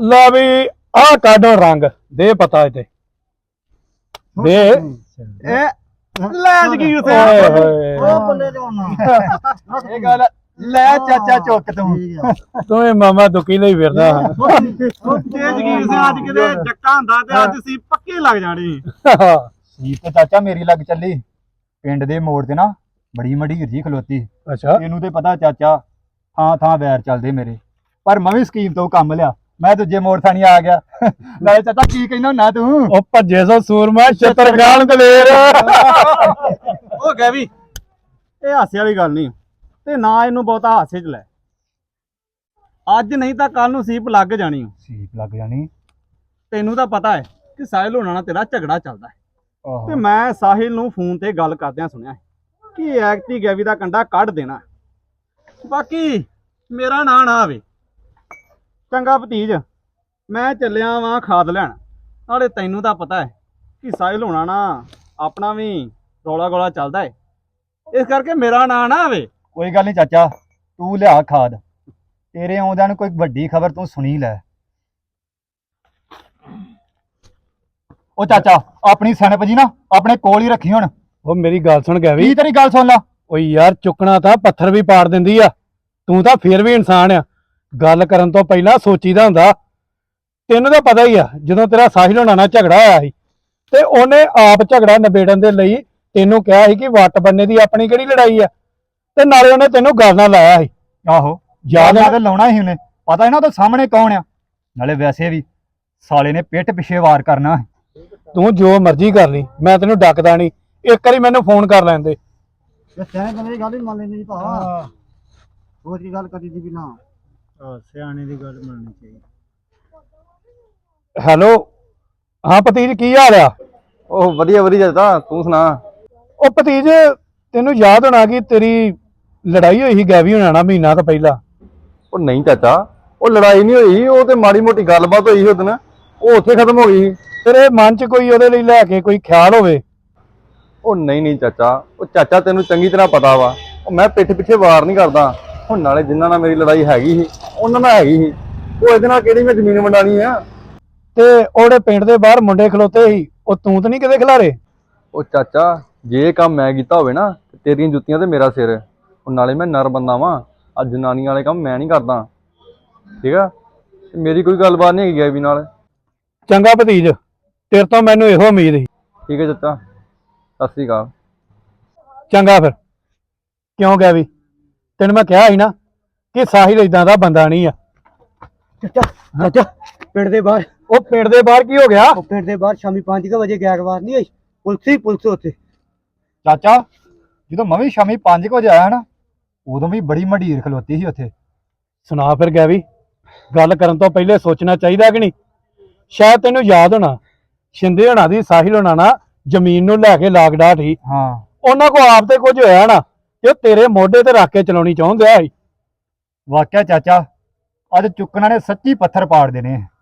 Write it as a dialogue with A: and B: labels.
A: ला भी आ काढो रंग दे पता इते दे
B: ਲੈ ਜਗੀਰ
A: ओए
B: ਸਿੰਘ
A: होए
C: ਉਹ ਬੱਲੇ ਦੇ ਉਹਨਾਂ
B: ਇਹ ਗੱਲ ਲੈ ਚਾਚਾ ਚੁੱਕ ਤੂੰ
A: तुम्हें मामा दुखी नहीं फिरदा
B: ਤੇ ਜਗੀਰ ਸਿੰਘ ਅੱਜ ਕਿਤੇ ਜੱਕਾ ਹੁੰਦਾ ਤੇ ਅੱਜ ਸੀ ਪੱਕੇ ਲੱਗ ਜਾਣੀ
C: ਸੀਟ ਤੇ ਚਾਚਾ ਮੇਰੀ ਲੱਗ ਚੱਲੀ ਪਿੰਡ ਦੇ ਮੋੜ ਤੇ ਨਾ ਬੜੀ ਮਢੀਰ ਜੀ ਖਲੋਤੀ
A: अच्छा
C: ਇਹਨੂੰ ਤੇ ਪਤਾ ਚਾਚਾ ਥਾਂ ਥਾਂ ਵੈਰ ਚੱਲਦੇ ਮੇਰੇ ਪਰ ਮੈਂ ਵੀ ਸਕੀਮ ਤੋਂ ਕੰਮ ਲਿਆ ਮੈਂ ਦੂਜੇ ਮੋੜ ਥਾਣੀ ਆ ਗਿਆ ਨਾਲੇ ਚਾਚਾ ਕੀ ਕਹਿੰਦਾ ਹੁੰਨਾ ਤੂੰ
A: ओ भज्जे सो सूरमा छतरगान दलेर
B: ਉਹ ਗਏ ਵੀ ਇਹ ਹਾਸੇ ਵਾਲੀ ਗੱਲ ਨਹੀਂ ਤੇ ਨਾ ਇਹਨੂੰ ਬਹੁਤਾ ਹਾਸੇ 'ਚ ਲੈ ਅੱਜ ਨਹੀਂ ਤਾਂ ਕੱਲ ਨੂੰ ਸੀਪ ਲੱਗ ਜਾਣੀ
C: ਸੀਟ ਲੱਗ ਜਾਣੀ
B: ਤੈਨੂੰ ਤਾਂ ਪਤਾ ਹੈ ਕਿ ਸਾਹਿਲ ਹੋਣਾ ਨਾਲ ਤੇਰਾ ਝਗੜਾ ਚੱਲਦਾ ਹੈ
C: ਆਹੋ
B: ਤੇ ਮੈਂ ਸਾਹਿਲ ਨੂੰ ਫੋਨ ਤੇ ਗੱਲ ਕਰਦਿਆਂ ਸੁਣਿਆ ਹੈ ਕਿ ਐਕਟੀ ਗੈਵੀ ਦਾ ਕੰਡਾ ਕੱਢ ਦੇਣਾ ਬਾਕੀ ਮੇਰਾ ਨਾਂ ਨਾ ਆਵੇ ਚੰਗਾ ਭਤੀਜ ਮੈਂ ਚੱਲਿਆ ਵਾਂ ਖਾਦ ਲੈਣ ਨਾਲੇ ਤੈਨੂੰ ਤਾਂ ਪਤਾ ਹੈ ਕਿ ਸਾਹਿਲ ਹੋਣਾ ਨਾ ਆਪਣਾ ਵੀ ਰੌਲਾ ਗੋਲਾ ਚੱਲਦਾ ਹੈ ਇਸ ਕਰਕੇ ਮੇਰਾ ਨਾਂ ਨਾ ਆਵੇ
C: ਕੋਈ ਗੱਲ ਨਹੀਂ ਚਾਚਾ ਤੂੰ ਲਿਆ ਖਾਦ ਤੇਰੇ ਆਉਂਦਿਆਂ ਨੂੰ ਕੋਈ ਵੱਡੀ ਖਬਰ ਤੂੰ ਸੁਣੀ ਲੈ ਉਹ ਚਾਚਾ ਆਪਣੀ ਸਣਪ ਜੀ ਨਾ ਆਪਣੇ ਕੋਲ ਹੀ ਰੱਖੀ ਹੁਣ
A: ओ मेरी गल सुन गया भी
C: ਕੀ ਤੇਰੀ ਗੱਲ ਸੁਣ ਲਾ
A: ओ यार चुकना था पत्थर भी पाड़ दिंदी आ तू ਤਾਂ ਫਿਰ ਵੀ ਇਨਸਾਨ ਆ ਗੱਲ ਕਰਨ ਤੋਂ ਪਹਿਲਾਂ ਸੋਚੀਦਾ ਹੁੰਦਾ ਤੈਨੂੰ ਤਾਂ ਪਤਾ ਹੀ ਆ ਜਦੋਂ ਤੇਰਾ ਸਾਹਿਲ ਹੋਣਾ ਨਾਲ ਝਗੜਾ ਹੋਇਆ ਸੀ ਤੇ ਉਹਨੇ ਆਪ ਝਗੜਾ ਨਿਬੇੜਨ ਦੇ ਲਈ ਤੈਨੂੰ ਕਿਹਾ ਸੀ ਕਿ ਵੱਟ ਬੰਨੇ ਦੀ ਆਪਣੀ ਕਿਹੜੀ ਲੜਾਈ ਆ ਤੇ ਨਾਲੇ ਉਹਨੇ ਤੈਨੂੰ ਗੱਲ ਨਾਲ ਲਾਇਆ ਸੀ
C: ਆਹੋ
A: ਯਾਦ
C: ਯਾਦ
A: ਆ
C: ਤੇ ਲਾਉਣਾ ਸੀ ਉਹਨੇ ਪਤਾ ਹੈ ਨਾ ਉਹਦੇ ਸਾਹਮਣੇ ਕੌਣ ਆ ਨਾਲੇ ਵੈਸੇ ਵੀ ਸਾਲੇ ਨੇ ਪਿੱਠ ਪਿੱਛੇ ਵਾਰ ਕਰਨਾ
A: ਤੂੰ ਜੋ ਮਰਜ਼ੀ ਕਰ ਲਈ ਮੈਂ ਤੈਨੂੰ ਡੱਕਦਾ ਨਹੀਂ ਇੱਕ ਵਾਰੀ ਮੈਨੂੰ ਫੋਨ ਕਰ ਲੈਂਦੇ
C: ਸਿਆਣੇ ਬੰਦੇ ਦੀ ਗੱਲ ਹੀ ਮੰਨ ਲੈਂਦੀ ਭਾ ਹੋਰ ਕੀ ਗੱਲ ਕਰੀ ਦੀ ਵੀ ਨਾ
B: ਸਿਆਣੇ ਦੀ ਗੱਲ ਮੰਨਣੀ ਚਾਹੀਦੀ
A: ਹੈਲੋ ਹਾਂ ਭਤੀਜ ਕੀ ਹਾਲ ਆ
D: ਉਹ ਵਧੀਆ ਵਧੀਆ ਜਦਾ ਤੂੰ ਸੁਣਾ।
A: ਉਹ ਭਤੀਜ ਤੈਨੂੰ ਯਾਦ ਹੋਣਾ ਕਿ ਤੇਰੀ ਲੜਾਈ ਹੋਈ ਸੀ ਗੈਵੀ ਹੋਣਾ ਨਾਲ ਮਹੀਨਾ ਤੋਂ ਪਹਿਲਾਂ
D: ਉਹ ਨਹੀਂ ਚਾਚਾ ਉਹ ਲੜਾਈ ਨਹੀਂ ਹੋਈ ਉਹ ਤੇ ਮਾੜੀ ਮੋਟੀ ਗੱਲਬਾਤ ਹੋਈ ਸੀ ਉਹ ਦਿਨ ਉਹ ਉੱਥੇ ਖਤਮ ਹੋ ਗਈ ਸੀ।
A: ਤੇਰੇ ਮਨ 'ਚ ਕੋਈ ਉਹਦੇ ਲਈ ਲੈ ਕੇ ਕੋਈ ਖਿਆਲ ਹੋਵੇ
D: ਉਹ ਨਹੀਂ ਚਾਚਾ ਉਹ ਚਾਚਾ ਤੈਨੂੰ ਚੰਗੀ ਤਰ੍ਹਾਂ ਪਤਾ ਵਾ ਉਹ ਮੈਂ ਪਿੱਠ ਪਿੱਛੇ ਵਾਰ ਨਹੀਂ ਕਰਦਾ ਹੁਣ ਨਾਲੇ ਜਿਨ੍ਹਾਂ ਨਾਲ ਮੇਰੀ ਲੜਾਈ ਹੈਗੀ ਸੀ ਉਹਨਾਂ ਨਾਲ ਹੈਗੀ ਸੀ ਉਹ ਇਹਦੇ ਨਾਲ ਕਿਹੜੀ ਮੈਂ ਜ਼ਮੀਨ ਵੰਡਾਣੀ ਆ।
A: ਤੇ ਉਹਦੇ ਪਿੰਡ ਦੇ ਬਾਹਰ ਮੁੰਡੇ ਖਲੋਤੇ ਸੀ ਉਹ ਤੂੰ ਤਾਂ ਨਹੀਂ ਕਿਤੇ ਖਿਲਾਰੇ
D: ਉਹ ਚਾਚਾ ਜੇ ਇਹ ਕੰਮ ਮੈਂ ਕੀਤਾ ਹੋਵੇ ਨਾ ਤੇ ਤੇਰੀਆਂ ਜੁੱਤੀਆਂ ਤੇ ਮੇਰਾ ਸਿਰ ਉਹ ਨਾਲੇ ਮੈਂ ਨਰ ਬੰਦਾ ਵਾਂ ਆ ਜਨਾਨੀ ਵਾਲੇ ਕੰਮ ਮੈਂ ਨਹੀਂ ਕਰਦਾ ਠੀਕ ਆ ਤੇ ਮੇਰੀ ਕੋਈ ਗੱਲਬਾਤ ਨਹੀਂ ਹੈਗੀ ਗੈਵੀ ਨਾਲ।
A: ਚੰਗਾ ਭਤੀਜ ਤੇਰੇ ਤੋਂ ਮੈਨੂੰ ਇਹੋ ਉਮੀਦ ਸੀ
D: ਠੀਕ ਹੈ ਚਾਚਾ ਸਤਿ ਸ੍ਰੀ ਅਕਾਲ।
A: ਚੰਗਾ ਫਿਰ ਕਿਉਂ ਗੈਵੀ ਤੈਨੂੰ ਮੈਂ ਕਿਹਾ ਸੀ ਨਾ ਕਿ ਸਾਹਿਲ ਇਦਾਂ ਦਾ ਬੰਦਾ ਨਹੀਂ ਆ
C: ਚਾਚਾ ਪਿੰਡ ਦੇ ਬਾਹਰ
A: ਉਹ ਪਿੰਡ ਦੇ ਬਾਹਰ ਕੀ ਹੋ ਗਿਆ
C: ਉਹ ਪਿੰਡ ਦੇ ਬਾਹਰ ਸ਼ਾਮੀ 5 ਵਜੇ ਗੈਰਵਾਰ ਨਹੀਂ ਹੋਈ ਪੁਲਿਸ ਉੱਥੇ ਚਾਚਾ ਜਦੋਂ ਮੈਂ ਵੀ ਸ਼ਾਮੀ 5 ਵਜੇ ਆਇਆ ਨਾ ਉਦੋਂ ਵੀ ਬੜੀ ਮਢੀਰ ਖਲੋਤੀ ਸੀ ਉੱਥੇ
A: ਸੁਣਾ ਫਿਰ ਗੈਵੀ ਗੱਲ ਕਰਨ ਤੋਂ ਪਹਿਲੇ ਸੋਚਣਾ ਚਾਹੀਦਾ ਕਿ ਨਹੀਂ ਸ਼ਾਇਦ ਤੈਨੂੰ ਯਾਦ ਹੋਣਾ ਸ਼ਿੰਦੇ ਹੋਣਾ ਦੀ ਸਾਹਿਲ ਹੋਣਾ ਨਾ ਜ਼ਮੀਨ ਨੂੰ ਲੈ ਕੇ ਲਾਗਡਾਟ ਸੀ
C: ਹਾਂ
A: ਉਹਨਾਂ ਕੋ ਆਪ ਤੇ ਕੁਝ ਹੋਇਆ ਨਾ ਤੇ ਉਹ ਤੇਰੇ ਮੋਢੇ ਤੇ ਰੱਖ ਕੇ ਚਲਾਉਣੀ ਚਾਹੁੰਦੇ ਆ
C: ਵਾਕਿਆ ਚਾਚਾ ਅੱਜ ਚੁੱਕਣਾ ਨੇ ਸੱਚੀ ਪੱਥਰ ਪਾੜ ਦੇਣੇ